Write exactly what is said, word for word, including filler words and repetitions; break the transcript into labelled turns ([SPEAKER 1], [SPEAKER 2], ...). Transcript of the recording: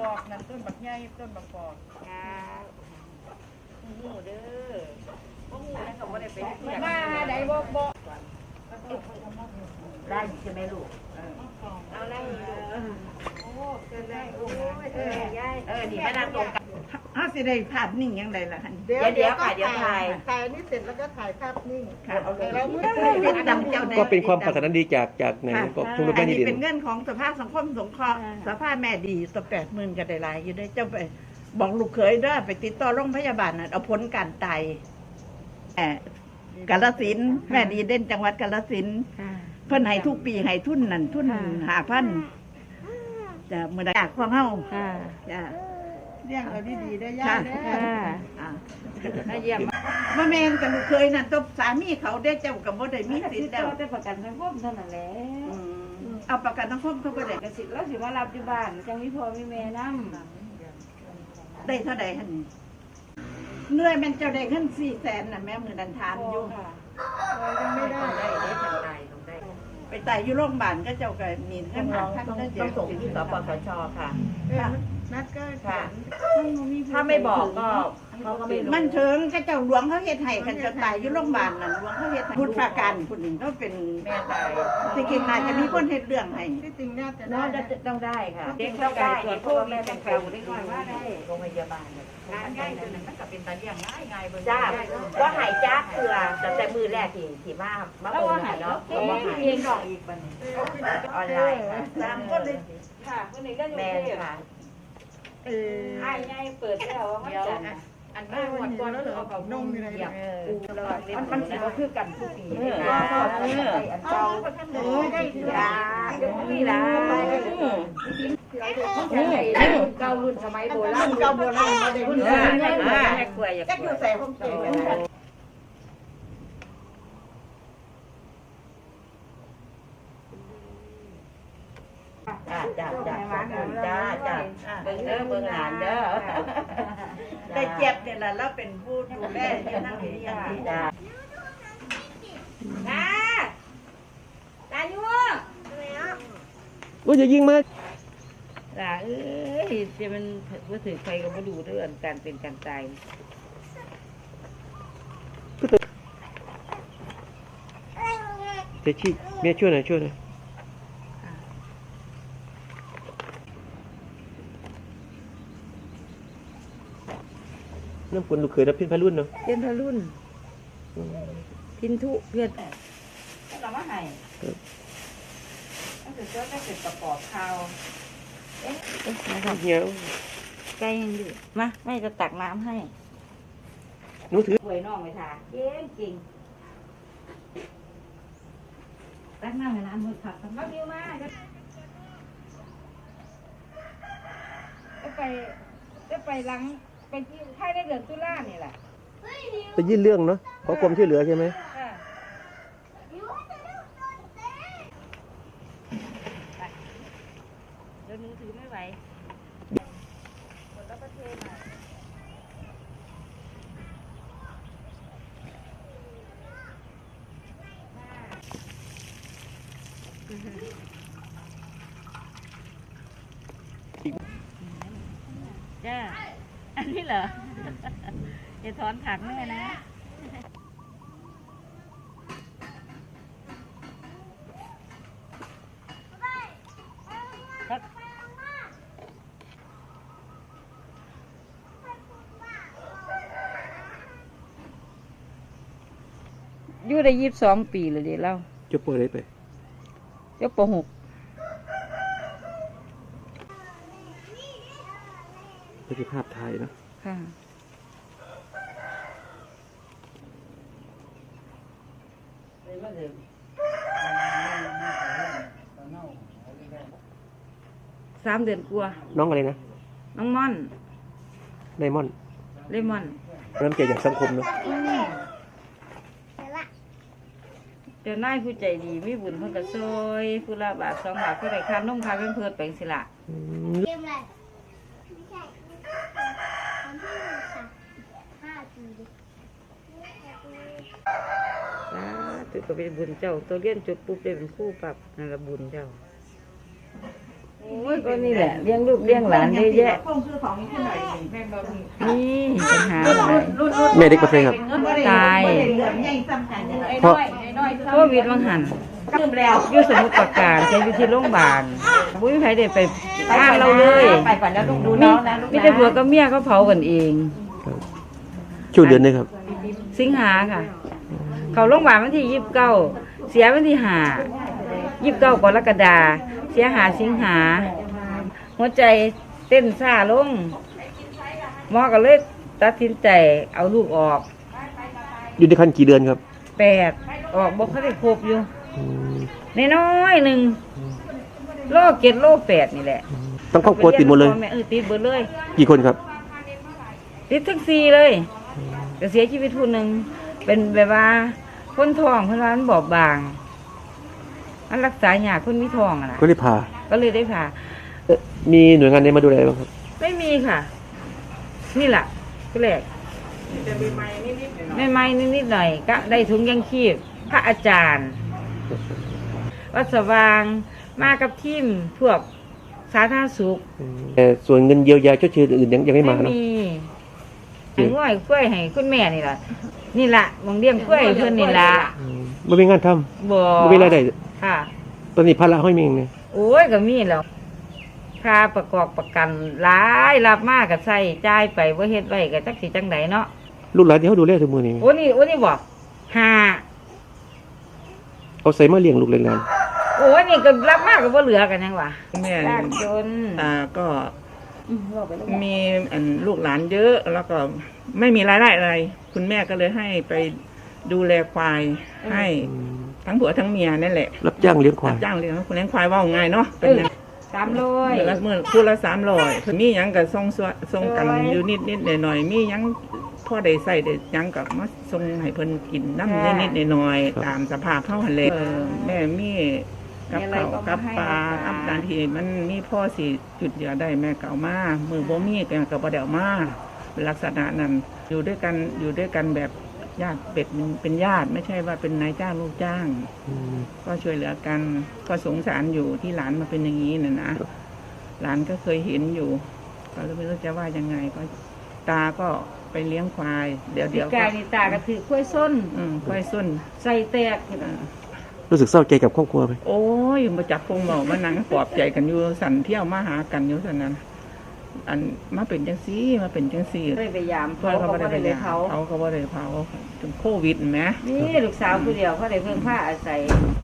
[SPEAKER 1] อกนั่นต้นบักใหญ่ต้นบักกอก
[SPEAKER 2] ครับหูเด้อบ่หูแล้วก็บ่ได้ไปเที่ยว
[SPEAKER 1] มาได้บ่บ่
[SPEAKER 2] ได้ใช่ไหมลูกเอาได้โอ้เกินได้โอ้ยเออยายเออนี่มานั่งตรงกัน
[SPEAKER 1] เฮาสิได้ภาพนิ่งยังไงล่ะหั่น
[SPEAKER 2] เดี๋ยวเดี๋ยวค่ะเดี๋ยวถ่าย
[SPEAKER 1] ถ่ายนี่เสร็จแล้วก็ถ่ายภาพนิ่ง
[SPEAKER 2] ค่ะเอาเลย
[SPEAKER 1] แล้วเป็นจำเจ้า
[SPEAKER 3] ก็เป็นความปรารถนาดีจากจากไหนก็ทุนแม่ดี
[SPEAKER 1] เป็นเงินของสภาสังคมสงเคราะห์สภาแม่ดีสักแปดหมื่นก็ได้หลายอยู่ได้เจ้าไปบอกลูกเขยเด้อไปติดต่อโรงพยาบาลน่ะเอาผลการตายแอบกาฬสินธุ์แม่ดีเด่นจังหวัดกาฬสินธุ์เพิ่นให้ทุกปีให้ทุนนั่นทุนห้าพันจะมื้อใดอยากของเฮาจ้ะเลี้ยงเอาดีๆได้ย่าเด้ออ่าถ้าเยี่ยมบ่แม่นกับลูกเคยนั่นตบสามีเขาได้เจ้าก็บ่ได้มีสิทธิ์แล้ว
[SPEAKER 4] แต่ประกันสังคมเท่านั้นแหละ
[SPEAKER 1] เอาประกันสังคมเขาบ่ได้
[SPEAKER 4] ก็สิแล้วสิมารับอยู่บ้านจังมีพ่อมีแม่นำ
[SPEAKER 1] ได้เท่าใดหั่นเหนื่อยแม่นเจ้าได้เงินสี่แสนน่ะแม่มื้อนั้นถามอยู่
[SPEAKER 4] ค่ะ
[SPEAKER 1] ยังไม่ได้
[SPEAKER 2] ได้ได้ทางใดตรงได้
[SPEAKER 1] ไปตายอยู่โรงพยาบาลก็เจ้าก็มีเงินหาพันก็
[SPEAKER 2] ต้องส่งที่สปสชค่ะ
[SPEAKER 1] นัดก็
[SPEAKER 2] ค่ะถ้าไม่บอกก็เขาก็ไม่รู้
[SPEAKER 1] มันเถิงก็เจ้าหลวงเขาเฮ็ดให้กันจะตายอยู่โรงพยาบาลนั่นหลวงเขาเฮ็ดให้พุทธการผู้นึงเขาเป็น
[SPEAKER 2] แม่ตาย
[SPEAKER 1] สิเก่งน่าจะมีคนเฮ็ดเรื่องให้
[SPEAKER 4] ที่จริงน่าจะ
[SPEAKER 2] น้องต้องได้ค่ะเด็กต้องได้ตรวจพวกแม่ต้องแปลได้ก่อนว่าได้โรงพยาบาลงานง่ายตัวนึงมันก็เป็นตาเลี้ยงง่ายง่ายเบิ่งจ้าก็หายจ้าเกลือแต่แต่มือแรกที่ที่มามาโอนเนาะก็บ่หายเองดอกอีกบัดนี้ออนไลน์ค่ะ
[SPEAKER 1] สามคนเลย
[SPEAKER 4] ค่ะคนนี้ก็อยู่
[SPEAKER 2] แม่ค่ะ
[SPEAKER 1] เออ
[SPEAKER 4] อ้ายใหญ่เปิดแล้วว่ามันจัน
[SPEAKER 2] อันนั้นหมดก่อนแล้วเอาเขานมอะไรเนี่ยมันมันสิบ่คือกันทุกปีเออเอออันเก่าเออได้ยาเดี๋ยวนี้ล่ะเก่ารุ่นสมัยโบราณ
[SPEAKER 1] เก่าโบราณมาได้รุ่น
[SPEAKER 2] แม่แม่กล้วยอย่า
[SPEAKER 1] ก็อยู่ใส่ห้องเก็บ
[SPEAKER 2] จ้าจ้าจ้าจ้าจ้าเบิ่งเด้อเบิ่งหลานเด้อ
[SPEAKER 1] ได้เจ็บเนี่ยล่ะแล้วเป็นผู้ดูแลอยู่นั่นนี่อย่างนี้
[SPEAKER 2] จ้า
[SPEAKER 4] ตาตาอยู่
[SPEAKER 3] โอ้ยจะยิงมา
[SPEAKER 4] ตาเอ้ยจะมันบ่ถือใครก็บ่ดูเรื่องการเป็นการตาย
[SPEAKER 3] เดี๋ยวชี้แม่ช่วยหน่อยช่วยหน่อยน้ำฝนลูกเขยรับพินพารุ่นเนาะ
[SPEAKER 4] เป็นพรุ่นพินทุเพื่อน
[SPEAKER 1] เรามาให้ตั้งแต่เจ้าได้เสร็จประกอบข่าว
[SPEAKER 4] เอ๊ะนะครับเดี๋ยวใกล้ยังอยู่มาแม่จะตักน้ำให้
[SPEAKER 3] หนูถือ
[SPEAKER 4] หวยน้องไปทาเก่งจริงตักน้ำให้ร้านมือผักมาบิวมาจะไปจะไปล้างไปที่ค่ายในเดือนตุลานี่แหละ
[SPEAKER 3] จะยื่นเรื่องเนาะขอความช่วยเหลือใช่ไหม
[SPEAKER 4] เดี๋ยวหนูถือไม่ไหวหมดแล้วก็เทมาจ้าอันนี้เหรออย่าถอนผักแม่นะอยู่ได้ยี่สิบสองปีเลยเดี๋ยวเรา
[SPEAKER 3] จะปล่อยอะไรไป
[SPEAKER 4] จะปหก
[SPEAKER 3] นี่คือภาพถ่ายเนาะ
[SPEAKER 4] ค่ะสามเดือนกลัว
[SPEAKER 3] น้องอะไรนะ
[SPEAKER 4] น้องม่อน
[SPEAKER 3] ไดมอนด์
[SPEAKER 4] เลมอน
[SPEAKER 3] น้ำใจอย่างสังคมเนาะ
[SPEAKER 4] เดี๋ยวนายผู้ใจดีมีบุญเพิ่นก็ซอยผู้ละบาทสองบาทผู้ใดค่านมค่าเป็นเพิ่นไปสิล่ะ
[SPEAKER 5] เกมอะไรไม่ใช่วันที่ค่ะห้าปี
[SPEAKER 4] อ่าตัวก็เป็นบุญเจ้าตัวเรียนจบปุ๊บได้เป็นครูปรับนั่นละบุญเจ้าโอ้ยก็นี่แหละเลี้ยงลูกเลี้ยงหลานเยอะแยะ
[SPEAKER 1] คงคือของที่ไหนแม่บ่มี
[SPEAKER 4] นี่ปัญหาหลาย
[SPEAKER 3] แม่เด็กกาแฟครับ
[SPEAKER 4] ตาย
[SPEAKER 1] บ่ได้เหลือมใหญ่ซ้ำกันอย่างไร
[SPEAKER 3] เพราะ
[SPEAKER 4] โควิดวังหันลืมแล้วอยู่สมุทรปราการแกอยู่ที่โรงพยาบาลบุ้ยใครได้ไปงานเราเลย
[SPEAKER 2] ไปก่อนแล้วลูกดูน้องนะลูก
[SPEAKER 4] มีแต่ผัวกับเมียเขาเผากันเอง
[SPEAKER 3] ช่วงเดือนนี้ครับ
[SPEAKER 4] สิงหาค่ะ เขาโรงพยาบาลวันที่ยี่สิบเก้าเสียวันที่ห้ายี่สิบเก้ากรกฎาเสียหาสิงหาหัวใจเต้นซ่าลงหมอก็เลยตัดสินใจเอาลูกออก
[SPEAKER 3] อยู่ในคันกี่เดือนครับ
[SPEAKER 4] แปดออกบอกเขาได้ครบอยู่
[SPEAKER 3] อืม
[SPEAKER 4] น้อยๆหนึ่งโลเกตโลแปดนี่แหละ
[SPEAKER 3] ต้องครอบครัวติดหมดเลย
[SPEAKER 4] พ่อแม่เออติดหมดเลย
[SPEAKER 3] กี่คนครับ
[SPEAKER 4] ติดทั้งสี่เลยแต่เสียชีวิตผู้หนึ่งเป็นแบบว่าคนท้องคนร้านบอบบางอันรักษาหยาคนมีท้องอะนะ
[SPEAKER 3] ก็ได้พา
[SPEAKER 4] ก็เลยได้ผ่า
[SPEAKER 3] เอ่อมีหน่วยงานไหนมาดูแลบ้างครับ
[SPEAKER 4] ไม่มีค่ะ นี่แหละก็แรกไม่ไม่นิดๆหน่อยก็ได้ถุงยังชีพพระอาจารย์ วัดสว่างมากับทีมพวกสาธารณสุข
[SPEAKER 3] แต่ส่วนเงินเยียวยาชดเชยอื่นยังยังไม่มาเนาะ
[SPEAKER 4] มีให้ง่อยกล้วยให้คุณแม่นี่แหละนี่แหละมองเลี้ยงกล้วยเพื่อนนี่ละ
[SPEAKER 3] อืมไม่มีงานท
[SPEAKER 4] บ่
[SPEAKER 3] ำไม่มีรายได้
[SPEAKER 4] ค่ะ
[SPEAKER 3] ตอนนี้ภาระห้อยเมงเนี่ย
[SPEAKER 4] โอ้ยก็มีแล้วค่าประกอบประกันหลายรับมากกับใส่จ่ายไปว่าเฮ็ดไว้ก็จักสิจังไดเนาะ
[SPEAKER 3] ลูกหลานที่เขาดูแลทุกมือนี่
[SPEAKER 4] โอ้นี่โอ้นี่บอกห้า
[SPEAKER 3] เขาใส่มาเลี้ยงลูกเลี้ยงหลาน
[SPEAKER 4] โอ้ยนี่ก็รับมากก็บ่เหลือกันยังวะ
[SPEAKER 6] แม่
[SPEAKER 4] ยากจน
[SPEAKER 6] ตาก็
[SPEAKER 4] อืมบอกไปแล้ว
[SPEAKER 6] มีอันลูกหลานเยอะแล้วก็ไม่มีรายได้อะไร คุณแม่ก็เลยให้ไปดูแลควายให้
[SPEAKER 3] อืม
[SPEAKER 6] ทั้งผัวทั้งเมียนั่นแหละ
[SPEAKER 3] รับจ้างเลี้ยงควา
[SPEAKER 6] รั
[SPEAKER 3] ย
[SPEAKER 6] บจ้างเลี้ยงคุณเลี้ยงควายว่าง่ายเนาะเป็นอย่าง
[SPEAKER 4] สามร้อย
[SPEAKER 6] เดือนละหมื่นคู่ละสามร้อยมีหยังกับส่งส่วนส่งกันอยู่นิดนิดหน่อยหน่อยๆมีหยังพ่อได้ใส่ได้หยังกับมาส่งให้เพิ่นกินน้ำนิดนิดหน่อยหน่อยๆตามสภาพเท่าหันเลยเออแม่มีกับเขาวกับปลาอับดานทีมันมีพ่อสิจุดเหยื่อได้แม่เก่ามามือบ่มีแกก็บ่ได้เอามาเป็นลักษณะนั้นอยู่ด้วยกันอยู่ด้วยกันแบบญาติเป็ดเป็นญาติไม่ใช่ว่าเป็นนายจ้างลูกจ้าง
[SPEAKER 3] อืม
[SPEAKER 6] ก็ช่วยเหลือกันก็สงสารอยู่ที่หลานมาเป็นอย่างนี้น่ะนะหลานก็เคยเห็นอยู่ ก็เลยไม่รู้จะว่ายังไงก็ ตาก็ไปเลี้ยงควาย เดี๋ยว
[SPEAKER 4] พี่
[SPEAKER 6] เดี๋ยว
[SPEAKER 4] กายนี่ตากระถือข้วยส้น
[SPEAKER 6] อืมควายส้น
[SPEAKER 4] ใส่แตก
[SPEAKER 6] อ่า
[SPEAKER 3] รู้สึกเศร้าใจกับครอบครัวไหม
[SPEAKER 6] โอ้ยมาจับพงเมามานั่งปลอบใจกันอยู่สันเที่ยวมาหากันอยู่สันนั้น อันมาเป็นจังซี่มาเป็นจังซี่
[SPEAKER 4] ได้ไปยาม
[SPEAKER 6] เพื่
[SPEAKER 4] เขา
[SPEAKER 6] อนเขา
[SPEAKER 4] เขา
[SPEAKER 6] ไม่
[SPEAKER 4] ก็
[SPEAKER 6] ได้
[SPEAKER 4] ได้
[SPEAKER 6] ไป
[SPEAKER 4] ไปเผา
[SPEAKER 6] เขาเขาไม่ได้เผาจนโควิดแหม
[SPEAKER 4] นี่ลูกสาวผู้เดียวเขาได้เพิ่งผ้าอาศัย